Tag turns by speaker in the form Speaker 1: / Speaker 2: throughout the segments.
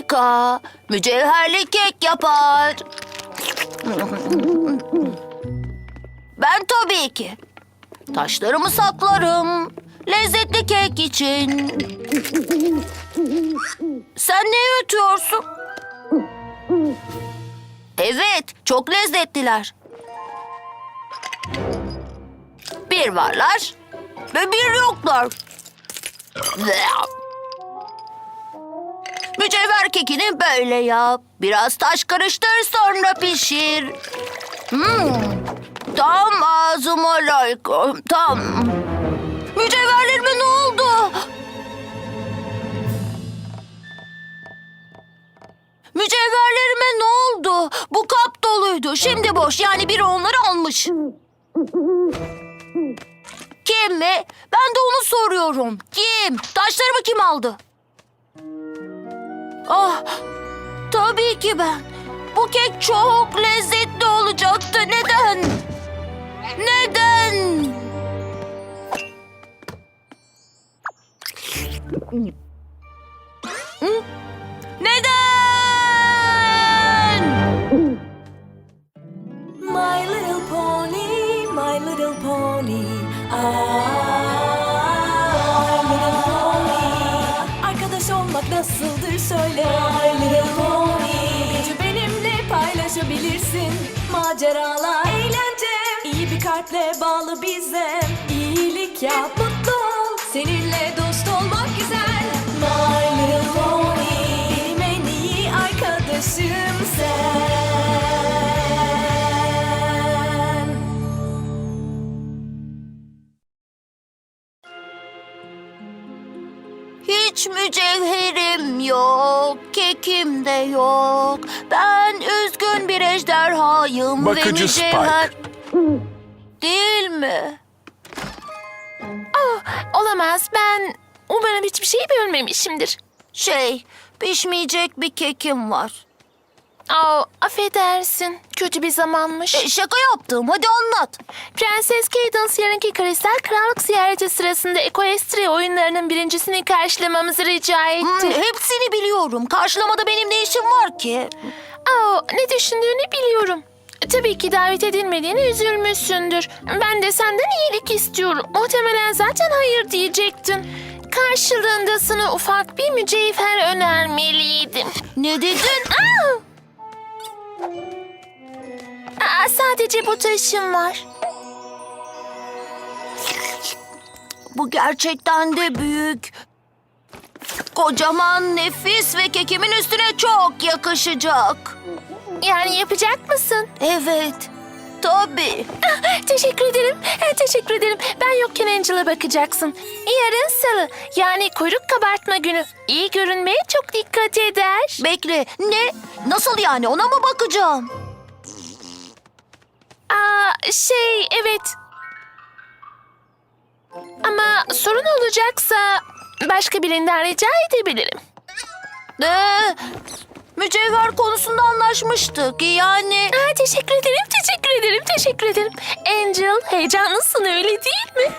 Speaker 1: harika. Mücevherli kek yapar. Ben tabii ki. Taşlarımı saklarım. Lezzetli kek için. Sen ne yutuyorsun? Evet, çok lezzetliler. Bir varlar ve bir yoklar. Mücevher kekini böyle yap. Biraz taş karıştır, sonra pişir. Tam ağzıma layık. Tam. Mücevherlerime ne oldu? Mücevherlerime ne oldu? Bu kap doluydu. Şimdi boş. Yani biri onları almış. Kim mi? Ben de onu soruyorum. Kim? Taşlarımı kim aldı? Ah, tabii ki ben. Bu kek çok lezzetli olacaktı. Neden? Neden? Neden?
Speaker 2: My little pony, my little pony. My little pony. Arkadaş olmak nasıldır söyle. My little pony. Gücü benimle paylaşabilirsin. Maceralar, eğlence. İyi bir kalple bağlı bize. İyilik yap, mutlu ol. Seninle dost olmak güzel. My little pony. Benim en iyi arkadaşım sen.
Speaker 1: Hiç mücevherim yok, kekim de yok. Ben üzgün bir ejderhayım
Speaker 3: Bakıcı
Speaker 1: ve mücevher... Değil mi?
Speaker 4: Olamaz. Ben umarım hiçbir şey bölmemişimdir.
Speaker 1: Pişmeyecek bir kekim var.
Speaker 4: Affedersin. Kötü bir zamanmış.
Speaker 1: Şaka yaptım, hadi anlat.
Speaker 4: Prenses Cadance yarınki Kristal Krallık ziyareti sırasında Equestria oyunlarının birincisini karşılamamızı rica etti.
Speaker 1: Hepsini biliyorum. Karşılamada benim ne işim var ki?
Speaker 4: Ne düşündüğünü biliyorum. Tabii ki davet edilmediğine üzülmüşsündür. Ben de senden iyilik istiyorum. Muhtemelen zaten hayır diyecektin. Karşılığında sana ufak bir mücevher önermeliydim.
Speaker 1: Ne dedin?
Speaker 4: Sadece bu taşım var.
Speaker 1: Bu gerçekten de büyük. Kocaman, nefis ve kekimin üstüne çok yakışacak.
Speaker 4: Yani yapacak mısın?
Speaker 1: Evet, tabii.
Speaker 4: Teşekkür ederim. Teşekkür ederim. Ben yokken Angel'a bakacaksın. Yarın salı. Yani kuyruk kabartma günü. İyi görünmeye çok dikkat eder.
Speaker 1: Bekle, ne? Nasıl yani? Ona mı bakacağım?
Speaker 4: Evet. Ama sorun olacaksa başka birinden rica edebilirim.
Speaker 1: Mücevher konusunda anlaşmıştık. Yani...
Speaker 4: Teşekkür ederim, teşekkür ederim, teşekkür ederim. Angel, heyecanlısın öyle değil mi?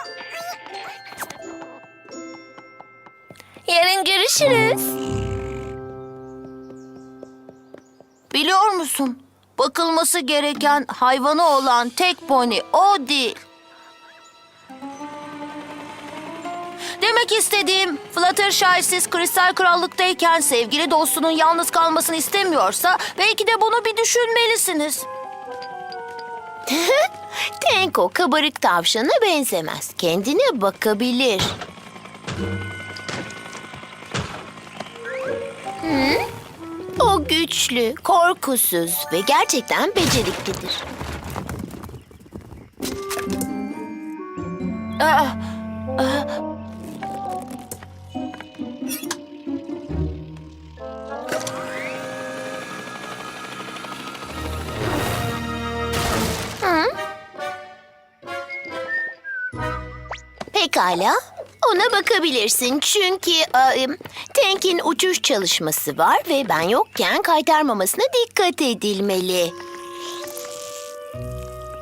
Speaker 4: Yarın görüşürüz.
Speaker 1: Biliyor musun? Bakılması gereken hayvanı olan tek pony o değil. Demek istediğim, Fluttershy siz Kristal Krallık'tayken sevgili dostunun yalnız kalmasını istemiyorsa belki de bunu bir düşünmelisiniz.
Speaker 5: Tenko kabarık tavşana benzemez. Kendine bakabilir. O güçlü, korkusuz ve gerçekten beceriklidir. Pekala. Ona bakabilirsin çünkü Tank'in uçuş çalışması var ve ben yokken kaytarmamasına dikkat edilmeli.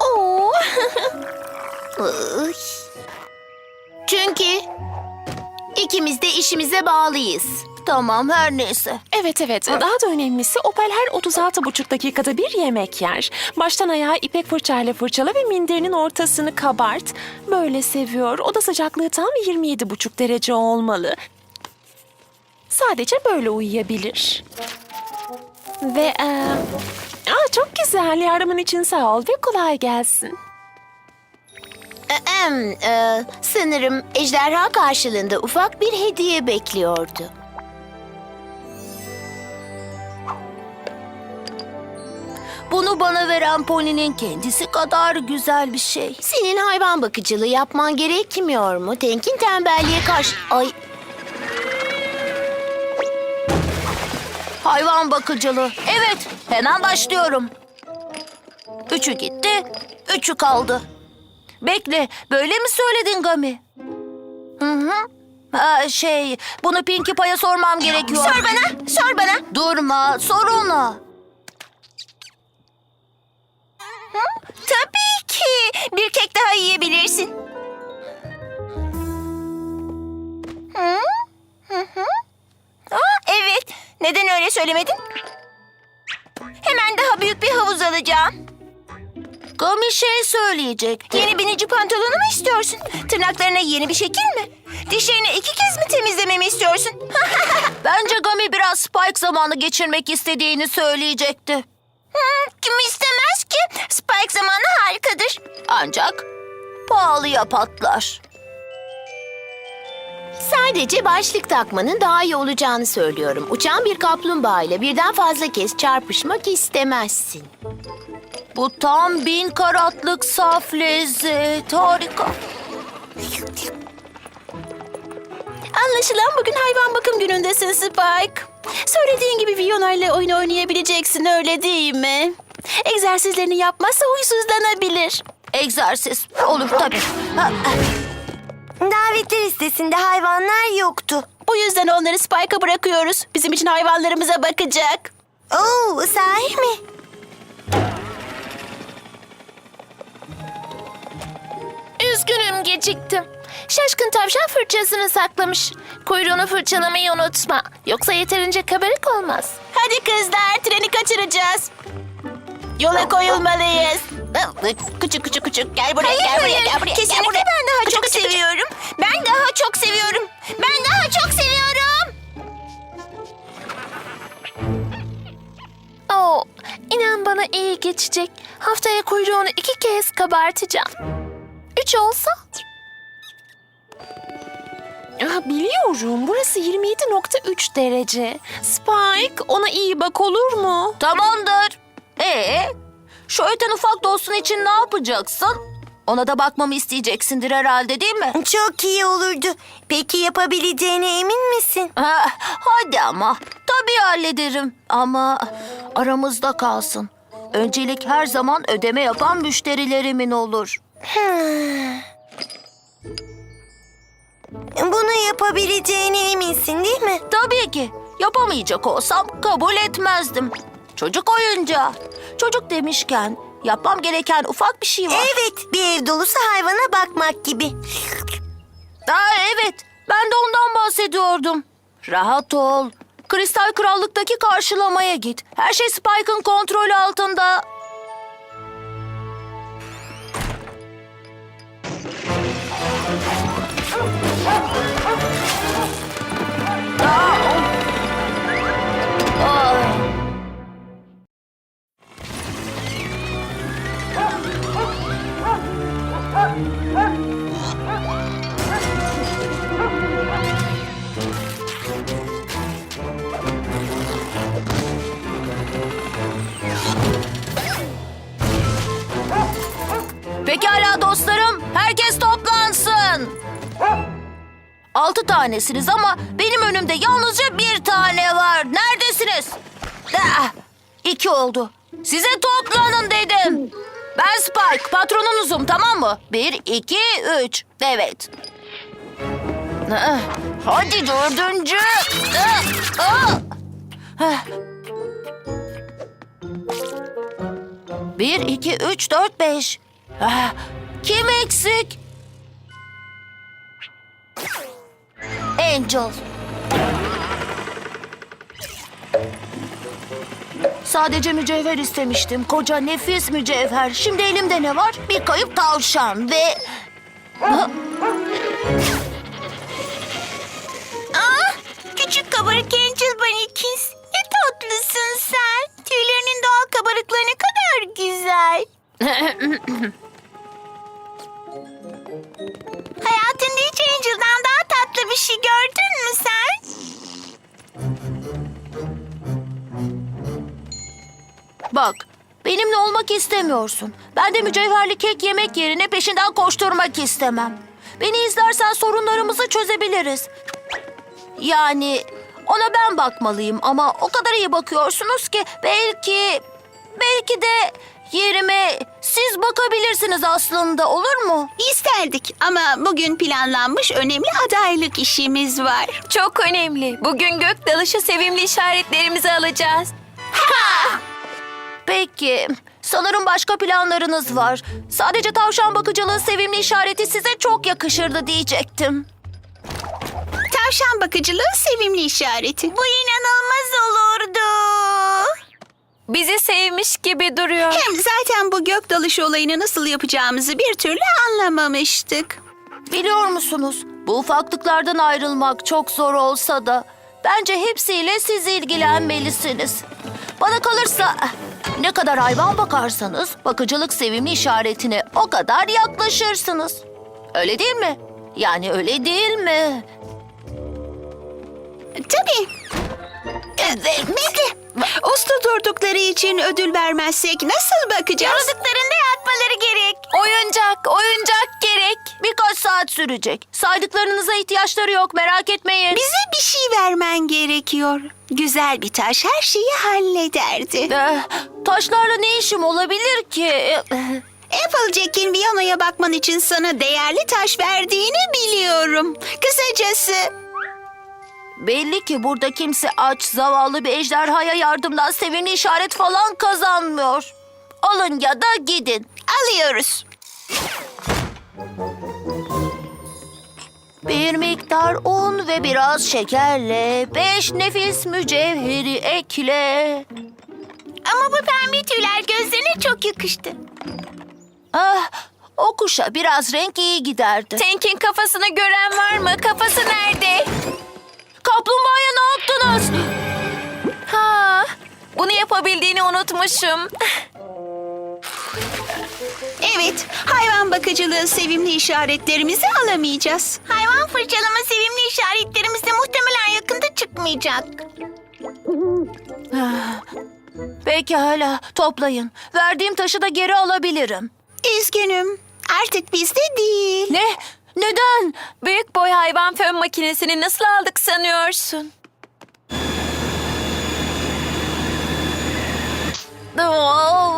Speaker 5: Ay. Çünkü İkimiz de işimize bağlıyız.
Speaker 1: Tamam, her neyse.
Speaker 4: Evet. Daha da önemlisi Opal her 36,5 dakikada bir yemek yer. Baştan ayağa ipek fırçayla fırçala ve minderinin ortasını kabart. Böyle seviyor. Oda sıcaklığı tam 27,5 derece olmalı. Sadece böyle uyuyabilir. Ve çok güzel. Yardımın için sağ ol ve kolay gelsin.
Speaker 5: Sanırım ejderha karşılığında ufak bir hediye bekliyordu.
Speaker 1: Bunu bana veren Pony'nin kendisi kadar güzel bir şey.
Speaker 5: Senin hayvan bakıcılığı yapman gerekmiyor mu? Tank'in tembelliğe karşı... Ay,
Speaker 1: Hayvan bakıcılığı. Evet, hemen başlıyorum. 3'ü gitti, 3'ü kaldı. Bekle, böyle mi söyledin Gami? Hı. Bunu Pinkie Pie'ye sormam gerekiyor.
Speaker 5: sor bana.
Speaker 1: Durma, sor ona.
Speaker 5: Tabii ki. Bir kek daha yiyebilirsin. Evet. Neden öyle söylemedin? Hemen daha büyük bir havuz alacağım.
Speaker 1: Gami söyleyecek.
Speaker 5: Yeni binici pantolonu mu istiyorsun? Tırnaklarına yeni bir şekil mi? Dişlerini 2 kez mi temizlememi istiyorsun?
Speaker 1: Bence Gami biraz Spike zamanı geçirmek istediğini söyleyecekti.
Speaker 5: Kim istemez ki? Spike zamanı harikadır.
Speaker 1: Ancak pahalıya patlar.
Speaker 5: Sadece başlık takmanın daha iyi olacağını söylüyorum. Uçan bir kaplumbağa ile birden fazla kez çarpışmak istemezsin.
Speaker 1: Bu tam 1000 karatlık saf lezzet. Harika.
Speaker 2: Anlaşılan bugün hayvan bakım günündesin Spike. Söylediğin gibi Fiona ile oyun oynayabileceksin, öyle değil mi? Egzersizlerini yapmazsa huysuzlanabilir.
Speaker 1: Egzersiz. Olur tabii.
Speaker 5: Davetler listesinde hayvanlar yoktu.
Speaker 2: Bu yüzden onları Spike'a bırakıyoruz. Bizim için hayvanlarımıza bakacak.
Speaker 5: Oo, sahi mi?
Speaker 4: Üzgünüm, geciktim. Şaşkın tavşan fırçasını saklamış. Kuyruğunu fırçalamayı unutma. Yoksa yeterince kabarık olmaz.
Speaker 2: Hadi kızlar, treni kaçıracağız. Yola koyulmalıyız. Küçük. Gel buraya, gel buraya.
Speaker 5: Kesinlikle ben daha çok seviyorum. Ben daha çok seviyorum. Ben daha çok seviyorum.
Speaker 4: İnan bana iyi geçecek. Haftaya kuyruğunu 2 kez kabartacağım. 3 olsa? Biliyorum. Burası 27,3 derece. Spike, ona iyi bak, olur mu?
Speaker 1: Tamamdır. Şu öten ufak dostun için ne yapacaksın? Ona da bakmamı isteyeceksindir herhalde, değil mi?
Speaker 5: Çok iyi olurdu. Peki yapabileceğine emin misin?
Speaker 1: Hadi ama. Tabii hallederim. Ama aramızda kalsın. Öncelik her zaman ödeme yapan müşterilerimin olur.
Speaker 5: Bunu yapabileceğine eminsin değil mi?
Speaker 1: Tabii ki. Yapamayacak olsam kabul etmezdim. Çocuk oyuncağı. Çocuk demişken yapmam gereken ufak bir şey var.
Speaker 5: Evet, bir ev dolusu hayvana bakmak gibi.
Speaker 1: Evet, ben de ondan bahsediyordum. Rahat ol. Kristal Krallık'taki karşılamaya git. Her şey Spike'ın kontrolü altında. Pekala dostlarım, herkes toplansın. 6 tanesiniz ama benim önümde yalnızca 1 tane var. Neredesiniz? 2 oldu. Size toplanın dedim. Ben Spike, patronunuzum, tamam mı? 1, 2, 3. Evet. Hadi 4. 1, 2, 3, 4, 5. Kim eksik? Angel. Sadece mücevher istemiştim. Koca nefis mücevher. Şimdi elimde ne var? Bir kayıp tavşan ve...
Speaker 5: Küçük kabarık Angel Bunny'kins. Ne tatlısın sen. Tüylerinin doğal kabarıklığı ne kadar güzel. Hayatında hiç Angel'dan daha tatlı bir şey gördün mü sen?
Speaker 1: Bak, benimle olmak istemiyorsun. Ben de mücevherli kek yemek yerine peşinden koşturmak istemem. Beni izlersen sorunlarımızı çözebiliriz. Yani ona ben bakmalıyım ama o kadar iyi bakıyorsunuz ki belki de yerime siz bakabilirsiniz aslında, olur mu?
Speaker 3: İsterdik ama bugün planlanmış önemli adaylık işimiz var.
Speaker 4: Çok önemli. Bugün gök dalışı sevimli işaretlerimizi alacağız.
Speaker 1: Peki, sanırım başka planlarınız var. Sadece tavşan bakıcılığı sevimli işareti size çok yakışırdı diyecektim.
Speaker 3: Tavşan bakıcılığı sevimli işareti.
Speaker 5: Bu inanılmaz olurdu.
Speaker 4: Bizi sevmiş gibi duruyor.
Speaker 3: Hem zaten bu gök dalışı olayını nasıl yapacağımızı bir türlü anlamamıştık.
Speaker 1: Biliyor musunuz, bu ufaklıklardan ayrılmak çok zor olsa da bence hepsiyle siz ilgilenmelisiniz. Bana kalırsa ne kadar hayvan bakarsanız bakıcılık sevimli işaretine o kadar yaklaşırsınız. Öyle değil mi? Yani öyle değil mi?
Speaker 3: Tabii. Bekle. Usta durdukları için ödül vermezsek nasıl bakacağız?
Speaker 5: Yaradıklarında yatmaları gerek.
Speaker 4: Oyuncak gerek.
Speaker 1: Birkaç saat sürecek. Saydıklarınıza ihtiyaçları yok, merak etmeyin.
Speaker 3: Bize bir şey vermen gerekiyor. Güzel bir taş her şeyi hallederdi.
Speaker 1: Taşlarla ne işim olabilir ki?
Speaker 3: Applejack'in Viyana'ya bakman için sana değerli taş verdiğini biliyorum. Kısacası
Speaker 1: Belli ki burada kimse aç, zavallı bir ejderhaya yardımdan sevimli işaret falan kazanmıyor. Alın ya da gidin.
Speaker 3: alıyoruz.
Speaker 1: Bir miktar un ve biraz şekerle 5 nefis mücevheri ekle.
Speaker 5: Ama bu pembe tüyler gözlerine çok yakıştı.
Speaker 1: Ah, o kuşa biraz renk iyi giderdi.
Speaker 4: Tank'in kafasını gören var mı? Kafası nerede?
Speaker 1: Kaplumbağaya ne yaptınız?
Speaker 4: Ha, bunu yapabildiğini unutmuşum.
Speaker 3: Evet, hayvan bakıcılığı sevimli işaretlerimizi alamayacağız.
Speaker 5: Hayvan fırçalama sevimli işaretlerimiz de muhtemelen yakında çıkmayacak.
Speaker 1: Pekala, toplayın. Verdiğim taşı da geri alabilirim.
Speaker 3: Üzgünüm, artık bizde değil.
Speaker 1: Ne? Neden?
Speaker 4: Büyük boy hayvan fön makinesini nasıl aldık sanıyorsun?
Speaker 1: Oh.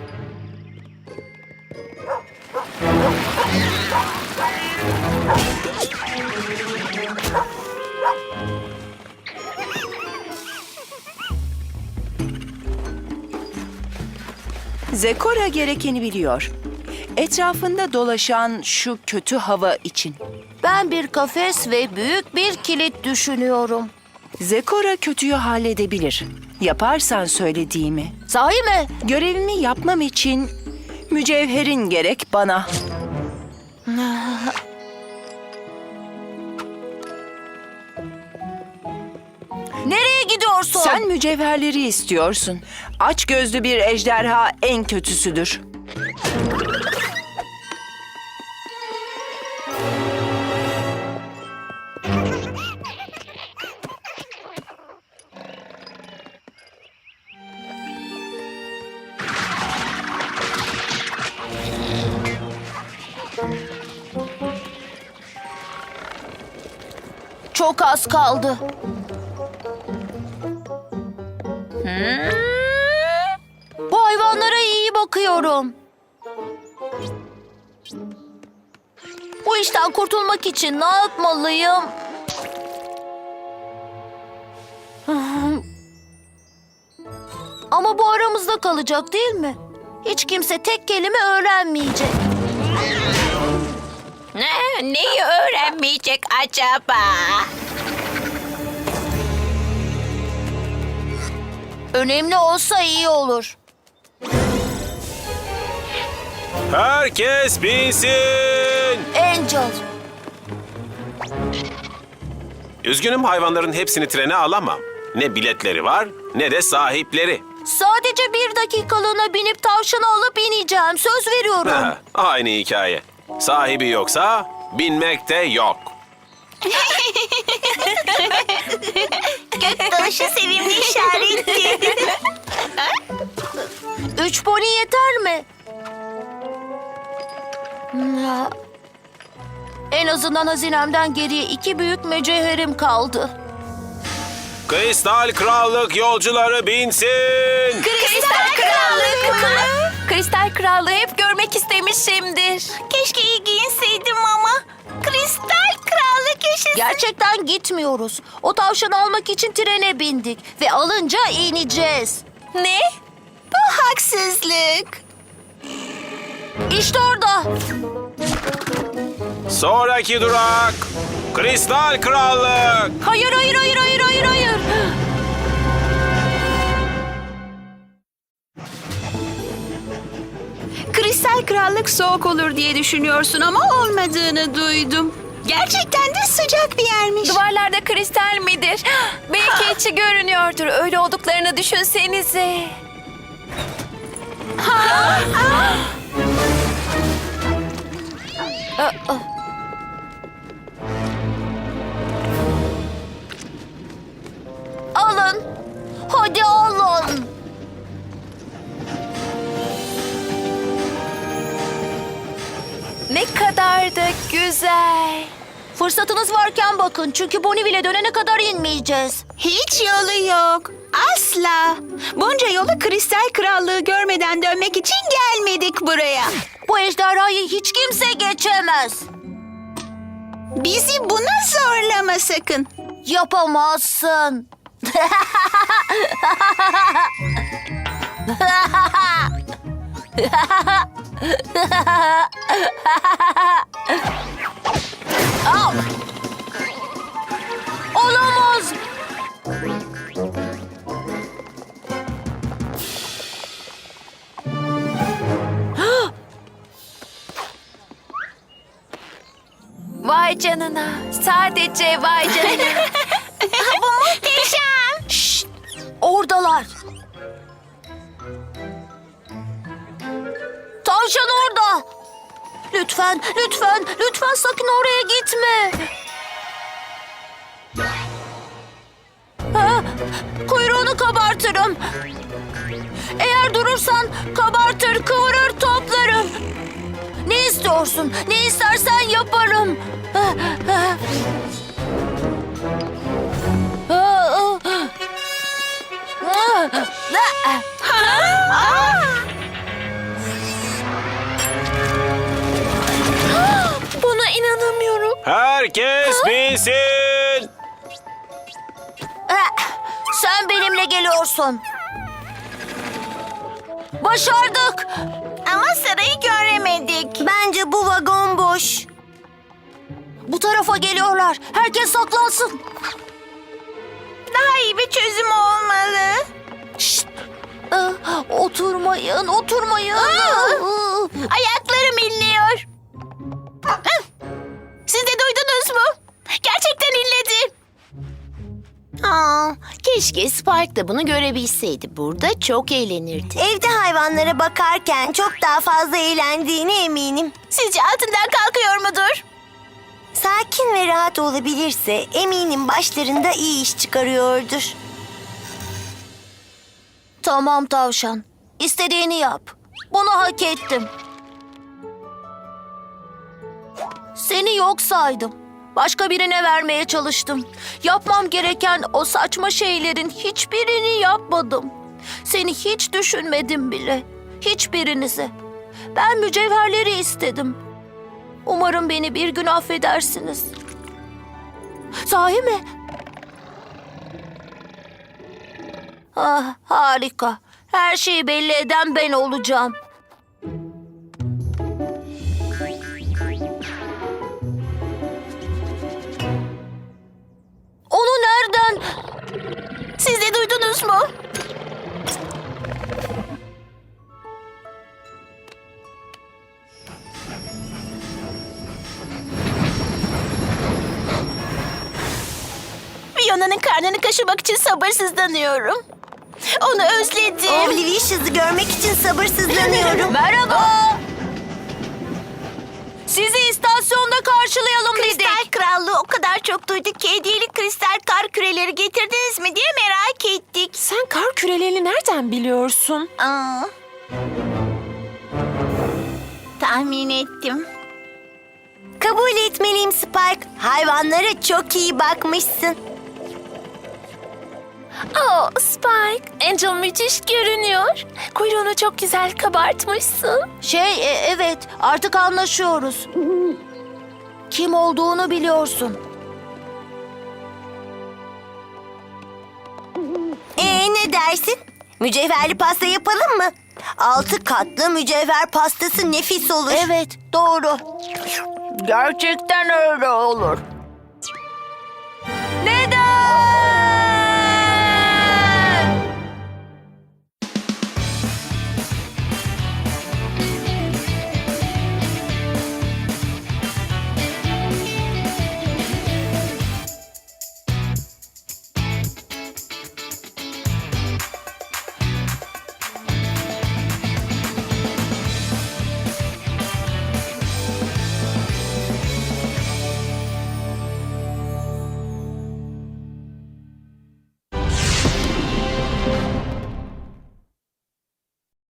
Speaker 6: Zekora gerekeni biliyor. Etrafında dolaşan şu kötü hava için.
Speaker 1: Ben bir kafes ve büyük bir kilit düşünüyorum.
Speaker 6: Zekora kötüyü halledebilir. Yaparsan söylediğimi.
Speaker 1: Sahi mi?
Speaker 6: Görevimi yapmam için mücevherin gerek bana.
Speaker 1: Nereye gidiyorsun?
Speaker 6: Sen mücevherleri istiyorsun. Aç gözlü bir ejderha en kötüsüdür.
Speaker 1: Çok az kaldı. Bu hayvanlara iyi bakıyorum. Bu işten kurtulmak için ne yapmalıyım? Ama bu aramızda kalacak değil mi? Hiç kimse tek kelime öğrenmeyecek.
Speaker 3: Neyi öğrenmeyecek acaba?
Speaker 1: Önemli olsa iyi olur.
Speaker 7: Herkes binsin.
Speaker 1: Angel.
Speaker 7: Üzgünüm, hayvanların hepsini trene alamam. Ne biletleri var ne de sahipleri.
Speaker 1: Sadece 1 dakikalığına binip tavşanı alıp ineceğim. Söz veriyorum.
Speaker 7: Ha, aynı hikaye. Sahibi yoksa binmek de yok.
Speaker 3: Göktaşı sevimli işaretti.
Speaker 1: 3 pony yeter mi? En azından hazinemden geriye 2 büyük mücevherim kaldı.
Speaker 7: Kristal Krallık yolcuları binsin.
Speaker 2: Kristal Krallık mı? Kristal Krallığı hep görmek istemişimdir.
Speaker 3: Keşke iyi giyinseydim ama. Kristal Krallık yaşasın.
Speaker 1: Gerçekten gitmiyoruz. O tavşanı almak için trene bindik ve alınca ineceğiz.
Speaker 2: Ne?
Speaker 3: Bu haksızlık.
Speaker 1: İşte orada.
Speaker 7: Sonraki durak Kristal Krallık.
Speaker 1: Hayır, hayır, hayır, hayır, hayır, hayır.
Speaker 3: Kristal Krallık soğuk olur diye düşünüyorsun ama olmadığını duydum. Gerçekten de sıcak bir yermiş.
Speaker 2: Duvarlarda kristal midir? Belki içi görünüyordur. Öyle olduklarını düşünsenize.
Speaker 1: Alın. Hadi alın.
Speaker 2: Ne kadar da güzel.
Speaker 1: Fırsatınız varken bakın çünkü Bonneville'e dönene kadar inmeyeceğiz.
Speaker 3: Hiç yolu yok. Asla. Bunca yolu Kristal Krallığı görmeden dönmek için gelmedik buraya.
Speaker 1: Bu ejderhayı hiç kimse geçemez.
Speaker 3: Bizi buna zorlama sakın.
Speaker 1: Yapamazsın. Al. Olamaz.
Speaker 2: Vay canına. Sadece vay canına.
Speaker 3: Bu muhteşem.
Speaker 1: Şşt, oradalar. Tavşan orada. Lütfen, lütfen, lütfen sakın oraya gitme. Ha, kuyruğunu kabartırım. Eğer durursan kabartır, kıvırır, toplarım. Ne istiyorsun? Ne istersen yaparım.
Speaker 4: Buna inanamıyorum.
Speaker 7: Herkes binsin.
Speaker 1: Sen benimle geliyorsun. Başardık.
Speaker 3: Ama sarayı göremedik. Bence bu vagon boş.
Speaker 1: Bu tarafa geliyorlar. Herkes saklansın.
Speaker 3: Daha iyi bir çözüm olmalı.
Speaker 1: Şşt. Oturmayın, oturmayın.
Speaker 3: Ayaklarım inliyor. Siz de duydunuz mu? Gerçekten inledi.
Speaker 5: Keşke Spike da bunu görebilseydi. Burada çok eğlenirdi.
Speaker 3: Evde hayvanlara bakarken çok daha fazla eğlendiğine eminim. Sizce altından kalkıyor mudur? Sakin ve rahat olabilirse eminim başlarında iyi iş çıkarıyordur.
Speaker 1: Tamam tavşan. İstediğini yap. Bunu hak ettim. Seni yok saydım. Başka birine vermeye çalıştım. Yapmam gereken o saçma şeylerin hiçbirini yapmadım. Seni hiç düşünmedim bile. Hiçbirinizi. Ben mücevherleri istedim. Umarım beni bir gün affedersiniz. Sahi mi? Ah, harika. Her şeyi belli eden ben olacağım. Onu nereden?
Speaker 3: Siz de duydunuz mu?
Speaker 5: karnını kaşımak için sabırsızlanıyorum. Onu özledim.
Speaker 3: Oblivious'ı görmek için sabırsızlanıyorum.
Speaker 1: Merhaba. Sizi istasyonda karşılayalım dedik.
Speaker 3: Kristal Krallığı o kadar çok duyduk ki hediyelik kristal kar küreleri getirdiniz mi diye merak ettik.
Speaker 2: Sen kar kürelerini nereden biliyorsun?
Speaker 3: Aa. Tahmin ettim. Kabul etmeliyim Spike. Hayvanlara çok iyi bakmışsın.
Speaker 4: Oh Spike, Angel müthiş görünüyor. Kuyruğunu çok güzel kabartmışsın.
Speaker 1: Evet, artık anlaşıyoruz. Kim olduğunu biliyorsun.
Speaker 3: Ne dersin? Mücevherli pasta yapalım mı? 6 katlı mücevher pastası nefis olur.
Speaker 1: Evet, doğru. Gerçekten öyle olur.